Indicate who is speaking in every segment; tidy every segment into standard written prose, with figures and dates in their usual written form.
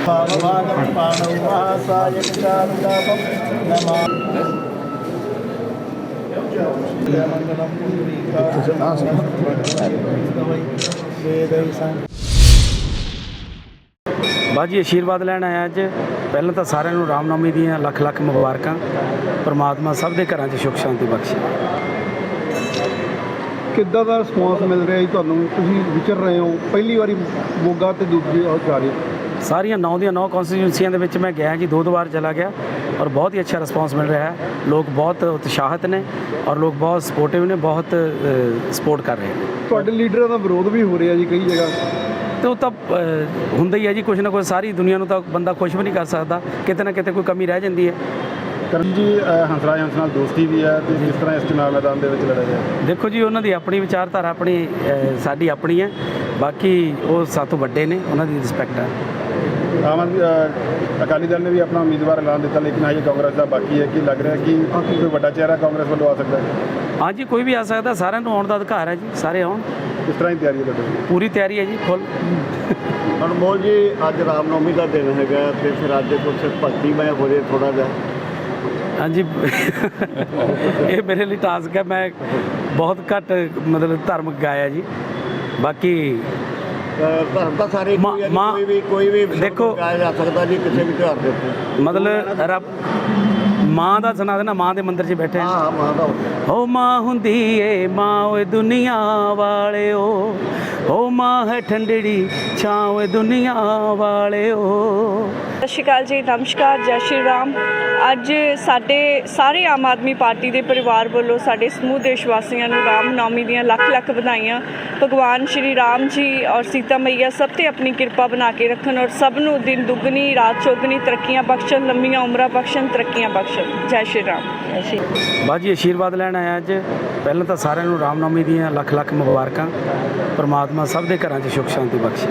Speaker 1: ਬਾਜੀ ਆਸ਼ੀਰਵਾਦ ਲੈਣ ਆਇਆ ਅੱਜ। ਪਹਿਲਾਂ ਤਾਂ ਸਾਰਿਆਂ ਨੂੰ ਰਾਮਨੌਮੀ ਦੀਆਂ ਲੱਖ ਲੱਖ ਮੁਬਾਰਕਾਂ। ਪਰਮਾਤਮਾ ਸਭ ਦੇ ਘਰਾਂ 'ਚ ਸੁੱਖ ਸ਼ਾਂਤੀ ਬਖਸ਼ੇ।
Speaker 2: ਕਿੱਦਾਂ ਦਾ ਰਿਸਪੌਂਸ ਮਿਲ ਰਿਹਾ ਜੀ ਤੁਹਾਨੂੰ? ਤੁਸੀਂ ਵਿਚਰ ਰਹੇ ਹੋ, ਪਹਿਲੀ ਵਾਰੀ ਮੋਗਾ ਤੇ ਦੂਜੀ ਜਾ ਰਹੇ।
Speaker 1: ਸਾਰੀਆਂ 9 ਦੀਆਂ 9 ਕੌਂਸਟੀਟਿਊਂਸੀਆਂ ਦੇ ਵਿੱਚ ਮੈਂ ਗਿਆ ਜੀ, 2 ਵਾਰ ਚਲਾ ਗਿਆ ਔਰ ਬਹੁਤ ਹੀ ਅੱਛਾ ਰਿਸਪੌਂਸ ਮਿਲ ਰਿਹਾ ਹੈ। ਲੋਕ ਬਹੁਤ ਉਤਸ਼ਾਹਿਤ ਨੇ ਔਰ ਲੋਕ ਬਹੁਤ ਸਪੋਰਟਿਵ ਨੇ, ਬਹੁਤ ਸਪੋਰਟ ਕਰ ਰਹੇ ਨੇ।
Speaker 2: ਤੁਹਾਡੇ ਲੀਡਰਾਂ ਦਾ ਵਿਰੋਧ ਵੀ ਹੋ ਰਿਹਾ ਜੀ ਕਈ ਜਗ੍ਹਾ
Speaker 1: ਤੇ ਉਹ ਤਾਂ ਹੁੰਦਾ ਹੀ ਹੈ ਜੀ, ਕੁਛ ਨਾ ਕੁਛ। ਸਾਰੀ ਦੁਨੀਆ ਨੂੰ ਤਾਂ ਬੰਦਾ ਖੁਸ਼ ਵੀ ਨਹੀਂ ਕਰ ਸਕਦਾ, ਕਿਤੇ ਨਾ ਕਿਤੇ ਕੋਈ ਕਮੀ ਰਹਿ ਜਾਂਦੀ ਹੈ।
Speaker 2: ਕਰਨ ਜੀ ਹੰਸਰਾਜ ਹੰਸ ਨਾਲ ਦੋਸਤੀ ਵੀ ਹੈ ਤੇ ਜਿਸ ਤਰ੍ਹਾਂ ਇਸ ਚੁਣਾਵ ਮੈਦਾਨ ਦੇ ਵਿੱਚ ਲੜਿਆ ਜਾਏ।
Speaker 1: ਦੇਖੋ ਜੀ, ਉਹਨਾਂ ਦੀ ਆਪਣੀ ਵਿਚਾਰਧਾਰਾ ਆਪਣੀ, ਸਾਡੀ ਆਪਣੀ ਹੈ। ਬਾਕੀ ਉਹ ਸਾਤੋਂ ਵੱਡੇ ਨੇ, ਉਹਨਾਂ ਦੀ ਰਿਸਪੈਕਟ ਹੈ।
Speaker 2: ਆਮ ਆਦਮੀ ਅਕਾਲੀ ਦਲ ਨੇ ਵੀ ਆਪਣਾ ਉਮੀਦਵਾਰ ਐਲਾਨ ਦਿੱਤਾ, ਲੇਕਿਨ ਹਜੇ ਕਾਂਗਰਸ ਦਾ ਬਾਕੀ ਹੈ। ਕਿ ਲੱਗ ਰਿਹਾ ਕਿ ਕੋਈ ਵੱਡਾ ਚਿਹਰਾ ਕਾਂਗਰਸ ਵੱਲੋਂ ਆ ਸਕਦਾ ਹੈ?
Speaker 1: ਹਾਂਜੀ, ਕੋਈ ਵੀ ਆ ਸਕਦਾ, ਸਾਰਿਆਂ ਨੂੰ ਆਉਣ ਦਾ ਅਧਿਕਾਰ ਹੈ ਜੀ, ਸਾਰੇ ਆਉਣ।
Speaker 2: ਕਿਸ ਤਰ੍ਹਾਂ ਦੀ ਤਿਆਰੀ ਹੈ ਤੁਹਾਡੀ?
Speaker 1: ਪੂਰੀ ਤਿਆਰੀ ਹੈ ਜੀ, ਫੁੱਲ।
Speaker 3: ਅਨਮੋਲ ਜੀ, ਅੱਜ ਰਾਮਨੌਮੀ ਦਾ ਦਿਨ ਹੈਗਾ ਤੇ ਫਿਰ ਅੱਜ ਕੁਝ ਭਗਤੀਮੈ ਹੋ ਜੇ ਥੋੜਾ ਜਿਹਾ।
Speaker 1: ਹਾਂਜੀ ਇਹ ਮੇਰੇ ਲਈ ਟਾਸਕ ਹੈ। ਮੈਂ ਬਹੁਤ ਘੱਟ ਮਤਲਬ ਧਰਮ ਗਾਇਆ ਜੀ। ਬਾਕੀ
Speaker 3: ਧਰਮ ਤਾਂ ਸਾਰੇ ਕੋਈ ਵੀ
Speaker 1: ਦੇਖੋ
Speaker 3: ਗਾਇਆ ਜਾ ਸਕਦਾ ਜੀ ਕਿਸੇ ਵੀ ਤਿਉਹਾਰ ਦੇ ਉੱਤੇ।
Speaker 1: ਮਤਲਬ ਰੱਬ ਮਾਂ ਦਾ ਸੁਣਾ ਦੇਣਾ, ਮਾਂ ਦੇ ਮੰਦਿਰ 'ਚ ਬੈਠੇ।
Speaker 3: ਹਾਂ, ਮਾਂ ਦਾ
Speaker 1: ਓ ਮਾਂ ਹੁੰਦੀ ਏ ਮਾਂ ਓਏ ਦੁਨੀਆ ਵਾਲਿਓ, ਓ ਮਾਂ ਹੈ ਠੰਡੜੀ ਛਾਂ ਓਏ ਦੁਨੀਆ ਵਾਲਿਓ।
Speaker 4: ਸਤਿ ਸ਼੍ਰੀ ਅਕਾਲ ਜੀ, ਨਮਸਕਾਰ, ਜੈ ਸ਼੍ਰੀ ਰਾਮ। ਅੱਜ ਸਾਡੇ ਸਾਰੇ ਆਮ ਆਦਮੀ ਪਾਰਟੀ ਦੇ ਪਰਿਵਾਰ ਵੱਲੋਂ ਸਾਡੇ ਸਮੂਹ ਦੇਸ਼ ਵਾਸੀਆਂ ਨੂੰ ਰਾਮਨੌਮੀ ਦੀਆਂ ਲੱਖ ਲੱਖ ਵਧਾਈਆਂ। ਭਗਵਾਨ ਸ਼੍ਰੀ ਰਾਮ ਜੀ ਔਰ ਸੀਤਾ ਮਈਆ ਸਭ 'ਤੇ ਆਪਣੀ ਕਿਰਪਾ ਬਣਾ ਕੇ ਰੱਖਣ ਔਰ ਸਭ ਨੂੰ ਦਿਨ ਦੁੱਗਣੀ ਰਾਤ ਚੌਗਣੀ ਤਰੱਕੀਆਂ ਬਖਸ਼ਣ, ਲੰਮੀਆਂ ਉਮਰਾਂ ਬਖਸ਼ਣ, ਤਰੱਕੀਆਂ ਬਖਸ਼ਣ। ਜੈ ਸ਼੍ਰੀ ਰਾਮ।
Speaker 1: ਬਾਜੀ ਆਸ਼ੀਰਵਾਦ ਲੈਣ ਆਇਆ ਅੱਜ। ਪਹਿਲਾਂ ਤਾਂ ਸਾਰਿਆਂ ਨੂੰ ਰਾਮਨੌਮੀ ਦੀਆਂ ਲੱਖ ਲੱਖ ਮੁਬਾਰਕਾਂ। ਪਰਮਾਤਮਾ ਸਭ ਦੇ ਘਰਾਂ 'ਚ ਸੁੱਖ ਸ਼ਾਂਤੀ ਬਖਸ਼ੇ।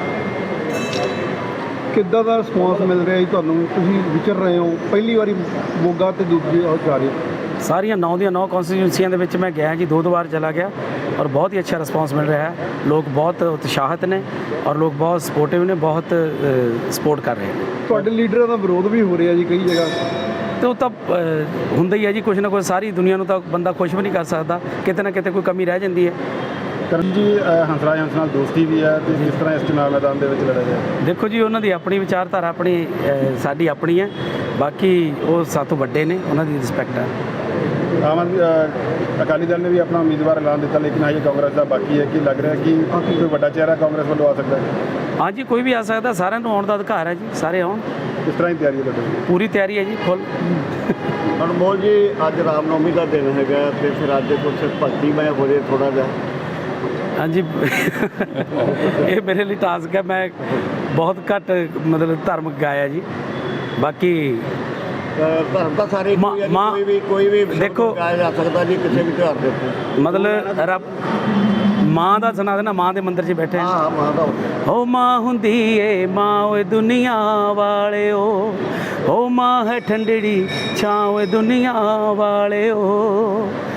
Speaker 2: ਕਿੱਦਾਂ ਦਾ ਰਿਸਪੌਂਸ ਮਿਲ ਰਿਹਾ ਜੀ ਤੁਹਾਨੂੰ? ਤੁਸੀਂ ਵਿਚਰ ਰਹੇ ਹੋ, ਪਹਿਲੀ ਵਾਰੀ ਮੋਗਾ ਤੇ ਦੂਜੀ ਜਾ ਰਹੇ।
Speaker 1: ਸਾਰੀਆਂ 9 ਦੀਆਂ 9 ਕੌਂਸਟੀਟਿਊਂਸੀਆਂ ਦੇ ਵਿੱਚ ਮੈਂ ਗਿਆ ਜੀ, 2 ਵਾਰ ਚਲਾ ਗਿਆ ਔਰ ਬਹੁਤ ਹੀ ਅੱਛਾ ਰਿਸਪੌਂਸ ਮਿਲ ਰਿਹਾ ਹੈ। ਲੋਕ ਬਹੁਤ ਉਤਸ਼ਾਹਿਤ ਨੇ ਔਰ ਲੋਕ ਬਹੁਤ ਸਪੋਰਟਿਵ ਨੇ, ਬਹੁਤ ਸਪੋਰਟ ਕਰ ਰਹੇ ਨੇ।
Speaker 2: ਤੁਹਾਡੇ ਲੀਡਰਾਂ ਦਾ ਵਿਰੋਧ ਵੀ ਹੋ ਰਿਹਾ ਜੀ ਕਈ ਜਗ੍ਹਾ
Speaker 1: ਤੇ ਉਹ ਤਾਂ ਹੁੰਦਾ ਹੀ ਹੈ ਜੀ, ਕੁਛ ਨਾ ਕੁਛ। ਸਾਰੀ ਦੁਨੀਆ ਨੂੰ ਤਾਂ ਬੰਦਾ ਖੁਸ਼ ਵੀ ਨਹੀਂ ਕਰ ਸਕਦਾ, ਕਿਤੇ ਨਾ ਕਿਤੇ ਕੋਈ ਕਮੀ ਰਹਿ ਜਾਂਦੀ ਹੈ।
Speaker 2: ਕਰਨ ਜੀ ਹੰਸਰਾਜ ਹੰਸ ਨਾਲ ਦੋਸਤੀ ਵੀ ਹੈ ਤੇ ਜਿਸ ਤਰ੍ਹਾਂ ਇਸ ਚੁਣਾਵ ਮੈਦਾਨ ਦੇ ਵਿੱਚ ਲੜਿਆ ਜਾਏ।
Speaker 1: ਦੇਖੋ ਜੀ, ਉਹਨਾਂ ਦੀ ਆਪਣੀ ਵਿਚਾਰਧਾਰਾ ਆਪਣੀ, ਸਾਡੀ ਆਪਣੀ ਹੈ। ਬਾਕੀ ਉਹ ਸਾਤੋਂ ਵੱਡੇ ਨੇ, ਉਹਨਾਂ ਦੀ ਰਿਸਪੈਕਟ ਹੈ।
Speaker 2: ਆਮ ਆਦਮੀ ਅਕਾਲੀ ਦਲ ਨੇ ਵੀ ਆਪਣਾ ਉਮੀਦਵਾਰ ਐਲਾਨ ਦਿੱਤਾ, ਲੇਕਿਨ ਹਜੇ ਕਾਂਗਰਸ ਦਾ ਬਾਕੀ ਹੈ। ਕਿ ਲੱਗ ਰਿਹਾ ਕਿ ਕੋਈ ਵੱਡਾ ਚਿਹਰਾ ਕਾਂਗਰਸ ਵੱਲੋਂ ਆ ਸਕਦਾ ਹੈ?
Speaker 1: ਹਾਂਜੀ, ਕੋਈ ਵੀ ਆ ਸਕਦਾ, ਸਾਰਿਆਂ ਨੂੰ ਆਉਣ ਦਾ ਅਧਿਕਾਰ ਹੈ ਜੀ, ਸਾਰੇ ਆਉਣ।
Speaker 2: ਕਿਸ ਤਰ੍ਹਾਂ ਦੀ ਤਿਆਰੀ ਹੈ ਤੁਹਾਡੀ?
Speaker 1: ਪੂਰੀ ਤਿਆਰੀ ਹੈ ਜੀ, ਫੁੱਲ।
Speaker 3: ਅਨਮੋਲ ਜੀ, ਅੱਜ ਰਾਮਨੌਮੀ ਦਾ ਦਿਨ ਹੈਗਾ ਤੇ ਫਿਰ ਅੱਜ ਕੁਝ ਭਗਤੀਮੈ ਹੋ ਜੇ ਥੋੜਾ ਜਿਹਾ।
Speaker 1: ਹਾਂਜੀ ਇਹ ਮੇਰੇ ਲਈ ਟਾਸਕ ਹੈ। ਮੈਂ ਬਹੁਤ ਘੱਟ ਮਤਲਬ ਧਰਮ ਗਾਇਆ ਜੀ। ਬਾਕੀ
Speaker 3: ਧਰਮ ਤਾਂ ਸਾਰੇ ਕੋਈ ਵੀ
Speaker 1: ਦੇਖੋ
Speaker 3: ਗਾਇਆ ਜਾ ਸਕਦਾ ਜੀ ਕਿਸੇ ਵੀ ਤਿਉਹਾਰ ਦੇ ਉੱਤੇ।
Speaker 1: ਮਤਲਬ ਰੱਬ ਮਾਂ ਦਾ ਸੁਣਾ ਦੇਣਾ, ਮਾਂ ਦੇ ਮੰਦਿਰ 'ਚ ਬੈਠੇ।
Speaker 3: ਹਾਂ, ਮਾਂ ਦਾ
Speaker 1: ਓ ਮਾਂ ਹੁੰਦੀ ਏ ਮਾਂ ਓਏ ਦੁਨੀਆ ਵਾਲਿਓ, ਓ ਮਾਂ ਹੈ ਠੰਡੜੀ ਛਾਂ ਓਏ ਦੁਨੀਆ ਵਾਲਿਓ।